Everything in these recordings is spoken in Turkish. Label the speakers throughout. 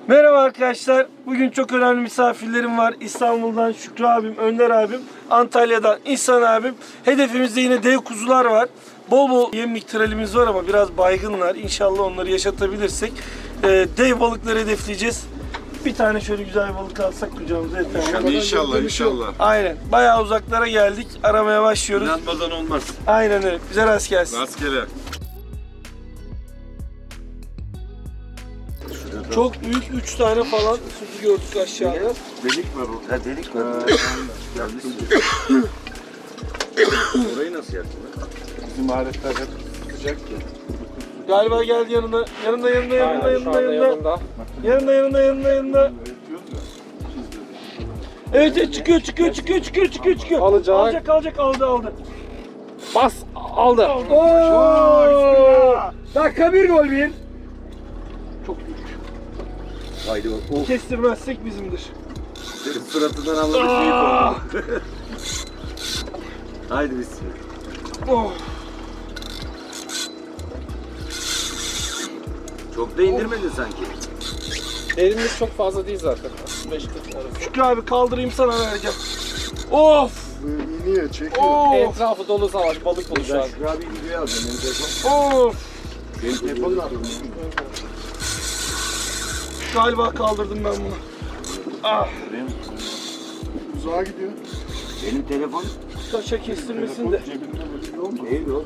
Speaker 1: Merhaba arkadaşlar. Bugün çok önemli misafirlerim var. İstanbul'dan Şükrü abim, Önder abim, Antalya'dan İhsan abim. Hedefimizde yine dev kuzular var. Bol bol yemlik tralimiz var ama biraz baygınlar. İnşallah onları yaşatabilirsek dev balıkları hedefleyeceğiz. Bir tane şöyle güzel balık alsak kucağımıza yeter.
Speaker 2: İnşallah.
Speaker 1: Aynen. Bayağı uzaklara geldik. Aramaya başlıyoruz.
Speaker 2: İnanmadan olmaz.
Speaker 1: Aynen öyle. Bize rast gelsin.
Speaker 2: Rastgele.
Speaker 1: Çok büyük 3 tane falan kuzu gördük aşağıda.
Speaker 2: Delik var orada. Ha, delik var. Orayı nasıl yaptın? Bizim aletler hep sıcak ya.
Speaker 1: Galiba geldi yanına. Yanında. Evet çıkıyor. Alacak aldı.
Speaker 3: Bas aldı.
Speaker 1: Dakika bir gol bir. Çok büyük.
Speaker 2: Haydi o.
Speaker 1: Kestirmezsek bizimdir.
Speaker 2: Senin suratından anladık büyük oldu. Haydi bismillah.
Speaker 1: Oh.
Speaker 2: Çok da indirmedin sanki.
Speaker 3: Elimiz çok fazla değil zaten. 5-40 arası.
Speaker 1: Şükrü abi kaldırayım sana vereceğim. Of.
Speaker 4: İniyor, çekiyor.
Speaker 1: Of.
Speaker 3: Etrafı dolu savaş, balık dolu şu an.
Speaker 2: Şükrü abi videoya alacağım. Benim telefon.
Speaker 1: Of.
Speaker 2: Benim telefon ne yapayım?
Speaker 1: Galiba kaldırdım ben bunu. Ah.
Speaker 4: Uzağa gidiyor.
Speaker 2: Benim telefon.
Speaker 1: Taşa kestirmesin de.
Speaker 4: Cebinde böyle olma.
Speaker 2: Değil oğlum.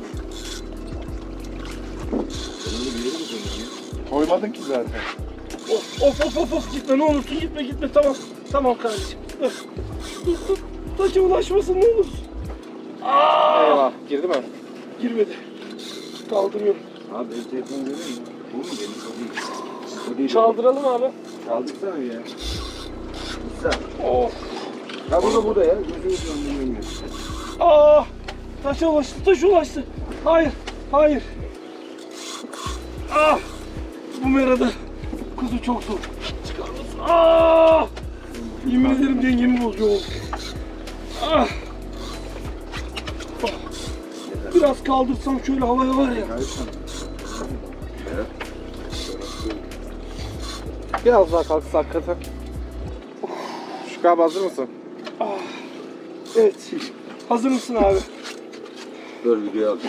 Speaker 2: Senin de bir yeri mi koyuyorsun?
Speaker 4: Koymadın ki zaten.
Speaker 1: Of. Gitme ne olursun gitme. Tamam kardeşim. Dur. Taşa ulaşmasın ne olursun.
Speaker 3: Eyvah, girdi mi?
Speaker 1: Girmedi. Kaldırıyorum.
Speaker 2: Abi benim telefonu görüyor musun? Bu mu benim? O değil. O değil.
Speaker 1: Çaldıralım abi.
Speaker 2: Çaldıksana ya. Güzel.
Speaker 1: Of.
Speaker 2: Ya burada ya. Gözümüzün önünden görüyor.
Speaker 1: Ah! Taş ulaştı. Hayır. Ah! Bu merada kuzu çok zor. Çıkar mısın? Ah! Yemin ederim dengemi bozuyor oğlum. Ah! Biraz kaldırsam şöyle havaya var ya.
Speaker 3: Biraz daha kalksa hakikaten. Şükrü abi hazır mısın?
Speaker 1: Evet. Hazır mısın abi?
Speaker 2: Dur videoya al.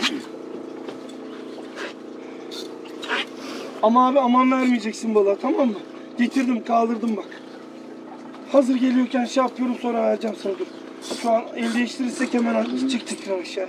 Speaker 1: Ama abi aman vermeyeceksin balığa, tamam mı? Getirdim, kaldırdım bak. Hazır geliyorken şey yapıyorum, sonra vereceğim sana, dur. Şu an el değiştirirsek hemen gidecek tekrar aşağı.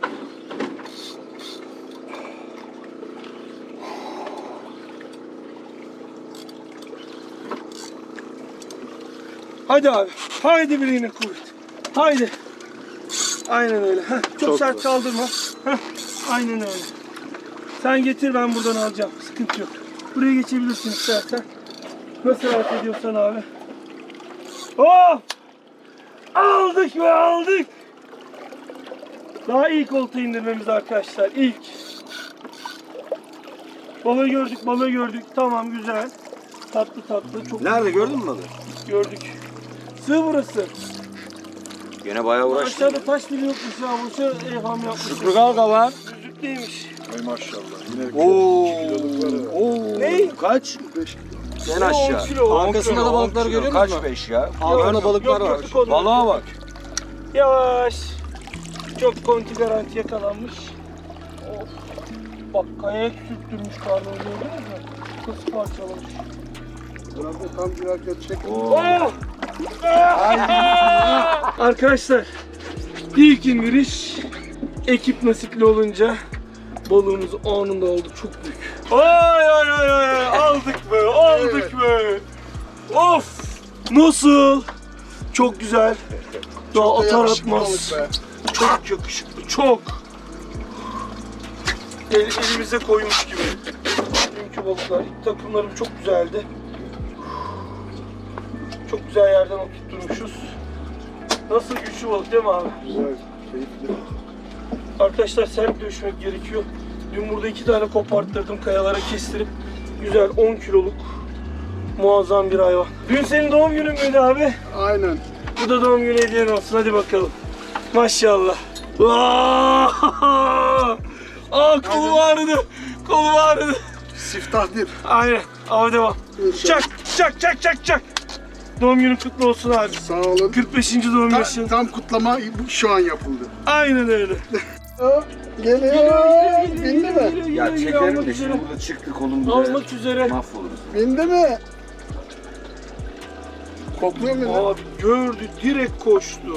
Speaker 1: Hadi abi. Haydi bileğine kuvvet. Haydi. Aynen öyle. Heh, çok sert kaldırma. Heh, aynen öyle. Sen getir, ben buradan alacağım. Sıkıntı yok. Buraya geçebilirsin istersen. Nasıl rahat ediyorsan abi. Oh! Aldık. Daha ilk olta indirmemiz arkadaşlar. İlk. Balığı gördük. Tamam, güzel. Tatlı. Çok
Speaker 2: Nerede gördün mü balığı?
Speaker 1: gördük. Sığ burası.
Speaker 2: Gene bayağı uğraştın.
Speaker 1: Aşağıda taş dili yokmuş ya. Boşa evham yapmış.
Speaker 2: Şükrü Galga var.
Speaker 1: Düzlükteymiş.
Speaker 4: Ay maşallah. Yine
Speaker 2: Oo.
Speaker 4: 2 kiloluk var.
Speaker 1: Ne?
Speaker 2: Kaç?
Speaker 4: 5 kilo.
Speaker 2: En
Speaker 1: 10
Speaker 2: aşağı.
Speaker 1: kilo.
Speaker 3: Arkasında da balıklar görüyor musun?
Speaker 2: Kaç 5 ya?
Speaker 3: Altında balıklar var.
Speaker 1: Gördük onu.
Speaker 2: Balığa bak.
Speaker 1: Yavaş. Çok konti garanti yakalanmış. Of. Bak kayaya sürttürmüş karnını, gördünüz mü? Nasıl parçalamış.
Speaker 4: Biraz tam girerken çek.
Speaker 1: Oh! Arkadaşlar, ilk indiriş ekip nasipli olunca balığımız anında oldu, çok büyük. Ay aldık be. Of! Nasıl? Çok güzel. Daha atar atmaz. Çok yakışıklı, çok. Elimize koymuş gibi. Dünkü balıklar, takımlarım çok güzeldi. Çok güzel yerden oturtmuşuz. Nasıl güçlü balık değil mi abi?
Speaker 4: Güzel, keyifli.
Speaker 1: Arkadaşlar sert dövüşmek gerekiyor. Dün burada 2 tane koparttırdım, kayalara kestirip. Güzel 10 kiloluk muazzam bir hayvan. Dün senin doğum günün müydü abi?
Speaker 4: Aynen.
Speaker 1: Bu da doğum günü hediyen olsun, hadi bakalım. Maşallah. Kolu ağrıdı.
Speaker 4: Siftah bir.
Speaker 1: Aynen. Abi devam.
Speaker 4: İnşallah.
Speaker 1: Çak. Çak çak çak çak. Doğum günün kutlu olsun abi.
Speaker 4: Sağ olun.
Speaker 1: 45. doğum yaşın.
Speaker 4: Tam kutlama şu an yapıldı.
Speaker 1: Aynen öyle.
Speaker 4: Geliyor. Bindi mi?
Speaker 2: Ya çekerim de şimdi burada çıktı kolum burada.
Speaker 1: Almak üzere.
Speaker 2: Mahvoluruz.
Speaker 4: Bindi mi? Kokluyor mu lan?
Speaker 1: Abi gördü, direkt koştu.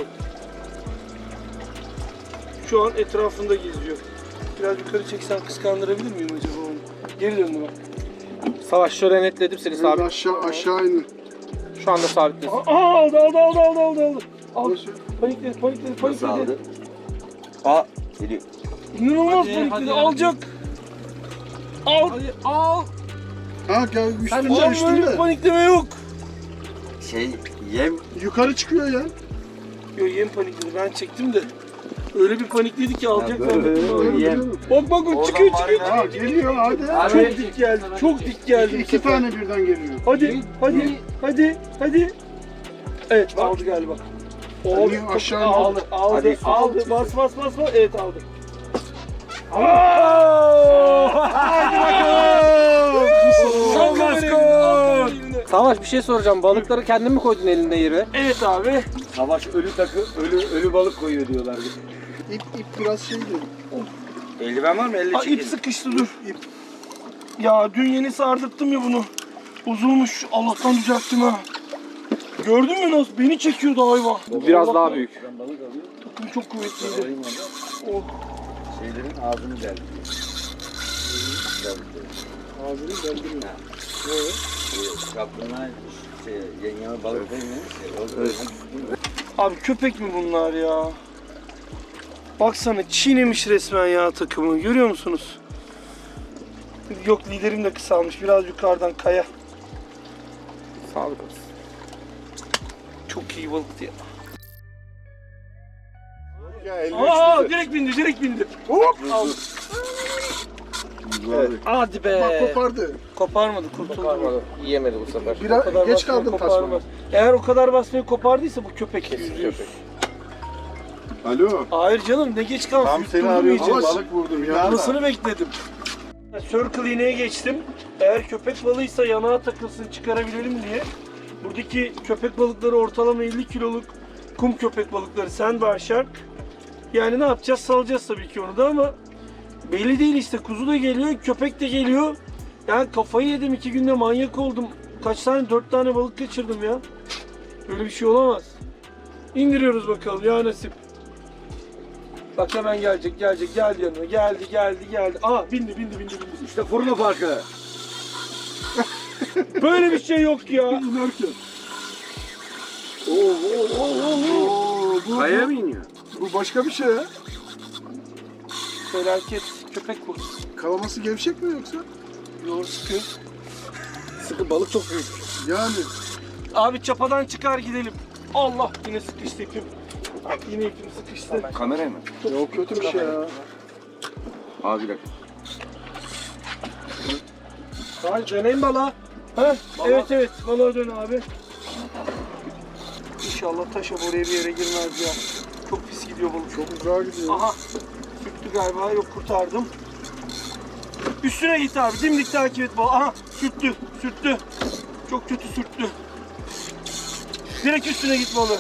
Speaker 1: Şu an etrafında geziyor. Biraz yukarı çeksem kıskandırabilir miyim acaba onu? Geri döndü bak.
Speaker 3: Savaş şöyle netledim seni
Speaker 4: Biraz
Speaker 3: sabit.
Speaker 4: aşağı inin.
Speaker 3: Şu anda sabitlesin.
Speaker 1: Aldı. Aldı.
Speaker 4: Nasıl?
Speaker 1: Panikledi.
Speaker 2: Nasıl aldı? Aa geliyor.
Speaker 1: İnanılmaz
Speaker 3: Hadi,
Speaker 1: panikledi.
Speaker 3: hadi.
Speaker 1: Alacak. Al.
Speaker 3: Al.
Speaker 4: Ha gel üstünde
Speaker 1: Oğlum böyle
Speaker 4: üstünde.
Speaker 1: bir panikleme yok.
Speaker 2: Yem
Speaker 4: Yukarı çıkıyor ya.
Speaker 1: Yok yem panikledi. Ben çektim de. Öyle bir panikledi ki alacak
Speaker 2: böyle-
Speaker 1: zannettim.
Speaker 2: Yem.
Speaker 1: Bak
Speaker 2: Oradan
Speaker 1: çıkıyor.
Speaker 4: Ha geliyor hadi.
Speaker 2: Abi.
Speaker 1: Çok dik geldi. Çok dik geldi. bu
Speaker 4: İki
Speaker 1: sefer.
Speaker 4: tane birden geliyor.
Speaker 1: Hadi. Evet aldı galiba.
Speaker 4: Hadi,
Speaker 1: çok-
Speaker 4: aşağı
Speaker 1: aldı.
Speaker 2: Hadi,
Speaker 1: Aldı. Bas. Evet aldı. Hadi bakalım. Son baskın.
Speaker 3: Savaş bir şey soracağım. Balıkları kendin mi koydun elinde yere?
Speaker 1: Evet abi.
Speaker 2: Savaş ölü takı, ölü balık koyuyor diyorlar.
Speaker 4: İp biraz şeydi.
Speaker 2: Eldiven var mı? Elle
Speaker 1: Aa, ip
Speaker 2: çekelim.
Speaker 1: sıkıştı dur. Ya dün yeni sardırttım ya bunu. Bozulmuş. Allah'tan düzelttim ha. Gördün mü nasıl? Beni çekiyordu hayvan.
Speaker 3: Biraz daha büyük.
Speaker 2: Ben balık alayım.
Speaker 1: Takım çok kuvvetliydi.
Speaker 2: Alayım onu.
Speaker 1: Oh.
Speaker 2: Şeylerin ağzını deldi.
Speaker 4: Ağzını deldirmiyor.
Speaker 2: Kaplana yengeme balık değmemiş.
Speaker 1: Abi köpek mi bunlar ya? Baksana çiğnemiş resmen ya takımı. Görüyor musunuz? Yok liderim de kısalmış. Biraz yukarıdan kaya.
Speaker 3: Sağlık olsun.
Speaker 1: Çok iyi balıktı ya.
Speaker 4: Ya elini
Speaker 1: Aa direkt bindi.
Speaker 4: Hop.
Speaker 1: Al.
Speaker 4: Evet.
Speaker 1: Hadi be.
Speaker 4: Bak kopardı.
Speaker 1: Koparmadı, kurtuldu.
Speaker 3: Koparmadı. Yiyemedi bu sefer.
Speaker 4: Biraz
Speaker 1: O kadar
Speaker 4: geç
Speaker 1: basmayı
Speaker 4: kaldım
Speaker 1: koparmaz.
Speaker 4: tasmaya.
Speaker 1: Eğer o kadar basmayı kopardıysa bu köpek.
Speaker 3: Kesin
Speaker 1: %100.
Speaker 3: köpek.
Speaker 4: Alo.
Speaker 1: Hayır canım ne geç kalmış.
Speaker 4: Tam seni
Speaker 1: Yutturdum
Speaker 4: arıyorum
Speaker 1: iyice.
Speaker 4: ama balık vurdum ya.
Speaker 1: Anasını bekledim. Circle iğneye geçtim. Eğer köpek balığıysa yanağa takılsın çıkarabilelim diye. Buradaki köpek balıkları ortalama 50 kiloluk kum köpek balıkları sandbar shark. Yani ne yapacağız? Salacağız tabii ki onu da ama belli değil işte. Kuzu da geliyor, köpek de geliyor. Yani kafayı yedim 2 günde manyak oldum. Kaç tane? 4 tane balık kaçırdım ya. Böyle bir şey olamaz. İndiriyoruz bakalım ya nasip. Bak hemen gelecek geldi yanıma geldi. Aa bindi.
Speaker 2: İşte fırına farkı.
Speaker 1: Böyle bir şey yok ya.
Speaker 4: İnerken. Bu,
Speaker 2: Kayaya mı iniyor?
Speaker 4: bu başka bir şey ya.
Speaker 1: Felaket köpek bu.
Speaker 4: Kalaması gevşek mi yoksa?
Speaker 1: Yoğur sıkıyor.
Speaker 3: Sıkı balık çok büyük.
Speaker 4: Yani.
Speaker 1: Abi çapadan çıkar gidelim. Allah yine sıkıştı ipim. Yine ipim sıkıştı.
Speaker 2: Kameraya mı?
Speaker 4: Yok kötü bir şey ya.
Speaker 2: Abi bir dakika.
Speaker 1: Hadi döneyim bala. Ha? Evet balığa dön abi. İnşallah taşa oraya bir yere girmez ya. Çok pis gidiyor balık.
Speaker 4: Çok uzağa gidiyor.
Speaker 1: Aha. Sürttü galiba. Yok kurtardım. Üstüne git abi. Dimdik takip et balığı. Aha sürttü. Çok kötü sürttü. Direkt üstüne git balığı.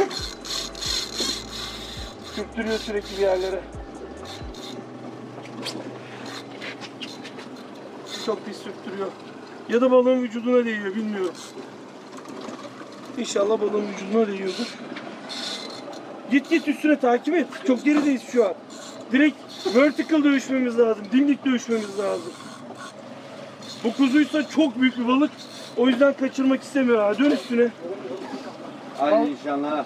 Speaker 1: Sürttürüyor sürekli bir yerlere. Çok pis sürttürüyor. Ya da balığın vücuduna değiyor bilmiyorum. İnşallah balığın vücuduna değiyordur. Git üstüne takip et. Çok gerideyiz şu an. Direkt vertical dövüşmemiz lazım. Dimdik dövüşmemiz lazım. Bu kuzuysa çok büyük bir balık. O yüzden kaçırmak istemiyor ha. Dön üstüne.
Speaker 2: Hadi inşallah.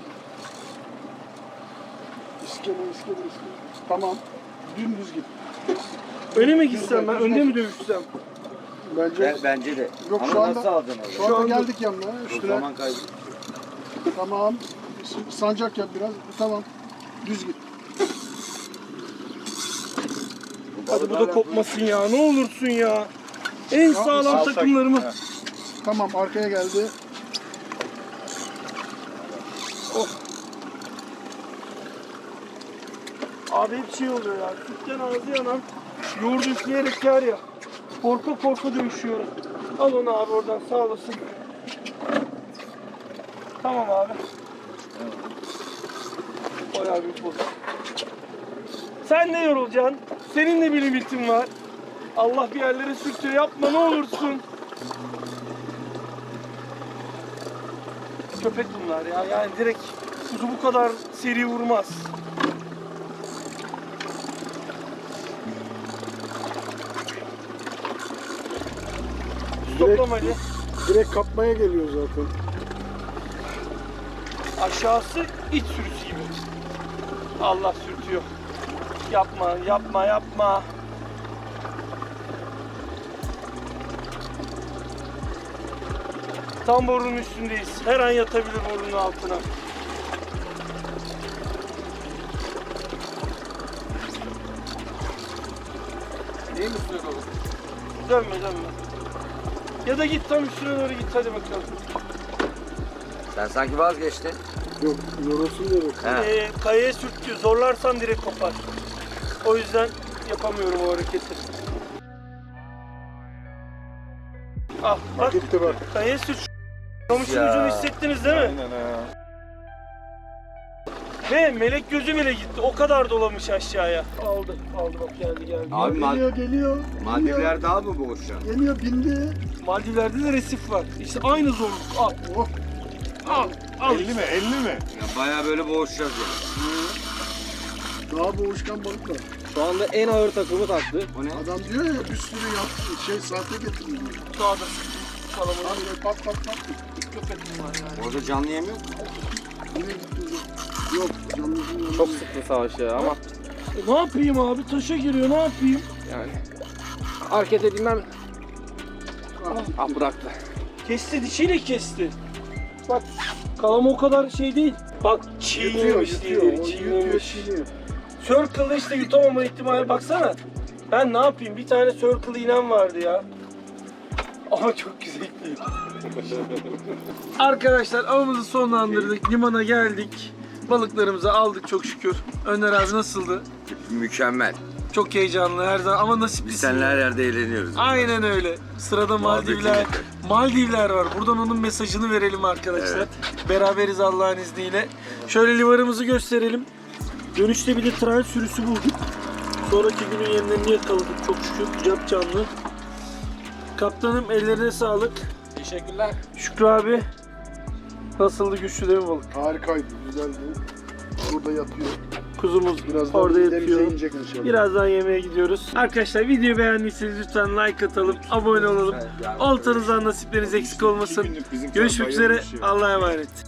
Speaker 4: İskele. Tamam. Dümdüz git.
Speaker 1: Öne mi gitsem ben? Önde mi dövüşsem?
Speaker 4: Bence.
Speaker 2: Bence de.
Speaker 4: Yok,
Speaker 2: Ama
Speaker 4: şu anda-
Speaker 2: nasıl alacaksın orada?
Speaker 4: Şu anda
Speaker 1: anda-
Speaker 4: geldik yanına.
Speaker 2: Çok
Speaker 4: Üstüne.
Speaker 2: zaman kaybı.
Speaker 4: Tamam. Sancak yap biraz. Tamam. Düz git.
Speaker 1: Hadi bu da kopmasın ya. Ne olursun ya. En sağlam takımlarımı.
Speaker 4: Tamam arkaya geldi.
Speaker 1: Abi hep şey oluyor ya. Sütten ağzı yanan yoğurdu üfleyerek yer ya. Korka dövüşüyorum. Al onu abi oradan, sağ olasın. Tamam abi. Bayağı büyük balık. Sen ne yorulacaksın? Senin de bir limitin var. Allah bir yerlere sürtüyor, yapma ne olursun. Köpek bunlar ya, yani direkt kuzu bu kadar seri vurmaz. Toplam hadi.
Speaker 4: Direkt kapmaya geliyor zaten.
Speaker 1: Aşağısı iç sürüsü gibi. Allah sürtüyor. Yapma, yapma, yapma. Tam borunun üstündeyiz. Her an yatabilir borunun altına.
Speaker 3: İyi mi üstüne kalır?
Speaker 1: Dönme, dönme. Ya da git tam üstüne doğru git, hadi bakalım.
Speaker 2: Sen sanki vazgeçtin.
Speaker 4: Yok, yorulsun diye bak.
Speaker 2: He.
Speaker 1: Kayaya sürtüyor. Zorlarsan direkt kopar. O yüzden yapamıyorum o hareketi. Ah, bak.
Speaker 4: Gitti bak.
Speaker 1: Kayaya sürt. Kamışın
Speaker 2: Ya.
Speaker 1: ucunu hissettiniz değil mi?
Speaker 3: Aynen ha.
Speaker 1: Ve melek gözü bile gitti. O kadar dolamış aşağıya. Aldı, aldı bak, geldi, geldi.
Speaker 2: Abi
Speaker 4: Geliyor, geliyor.
Speaker 2: Maldivler daha mı boş şu an?
Speaker 4: Geliyor, bindi.
Speaker 1: Maldivler'de de resif var. İşte aynı zorluk. Al,
Speaker 4: Oh,
Speaker 1: al, al.
Speaker 3: 50 mi? 50 mi?
Speaker 2: Ya bayağı böyle boğuşacağız ya.
Speaker 4: daha boğuşkan balık var.
Speaker 3: Şu anda en ağır takımı taktı.
Speaker 2: O ne?
Speaker 4: Adam diyor ya bir sürü sahte getiriyor.
Speaker 1: Sağda. Kalabalık
Speaker 4: Abi pat pat pat.
Speaker 1: köpek var yani.
Speaker 2: Orada canlı yem yok mu?
Speaker 4: Yine gitti. Yok, canlısın yanında.
Speaker 3: Çok sıktı savaş ya ama
Speaker 1: Ne yapayım abi? Taşa giriyor, ne yapayım?
Speaker 3: yani hareket edilmem. Ah bıraktı.
Speaker 1: Kesti, dişiyle kesti. Bak, kalama o kadar şey değil. Bak, çiğnemiş
Speaker 4: Yutuyor,
Speaker 1: diye,
Speaker 4: yutuyor,
Speaker 1: çiğnemiş.
Speaker 4: çiğniyor.
Speaker 1: Circle'da işte yutamama ihtimali, baksana. Ben ne yapayım? Bir tane circle iğnem vardı ya. Ama çok güzel değil. Arkadaşlar avımızı sonlandırdık. Limana geldik. Balıklarımızı aldık çok şükür. Önder abi nasıldı?
Speaker 2: Mükemmel.
Speaker 1: Çok heyecanlı her zaman ama
Speaker 2: Biz
Speaker 1: nasiplisin.
Speaker 2: seninle her yerde eğleniyoruz.
Speaker 1: Aynen öyle. Sırada Maldivler.
Speaker 2: yeter.
Speaker 1: Maldivler var. Buradan onun mesajını verelim arkadaşlar.
Speaker 2: Evet.
Speaker 1: Beraberiz Allah'ın izniyle. Şöyle livarımızı gösterelim. Dönüşte bir de tral sürüsü bulduk. Sonraki günün yemlerini yakaladık çok şükür. Cap canlı. Kaptanım ellerine sağlık.
Speaker 3: Teşekkürler.
Speaker 1: Şükrü abi. Nasıldı, güçlü değil mi balık?
Speaker 4: Harikaydı, güzeldi. Burada yatıyor.
Speaker 1: Kuzumuz
Speaker 4: Birazdan
Speaker 1: orada
Speaker 4: denize
Speaker 1: yatıyor.
Speaker 4: inecek inşallah.
Speaker 1: Birazdan yemeğe gidiyoruz. Arkadaşlar videoyu beğendiyseniz lütfen like atalım, abone olalım. Oltanızdan nasipleriniz eksik olmasın. Görüşmek üzere. Allah'a emanet.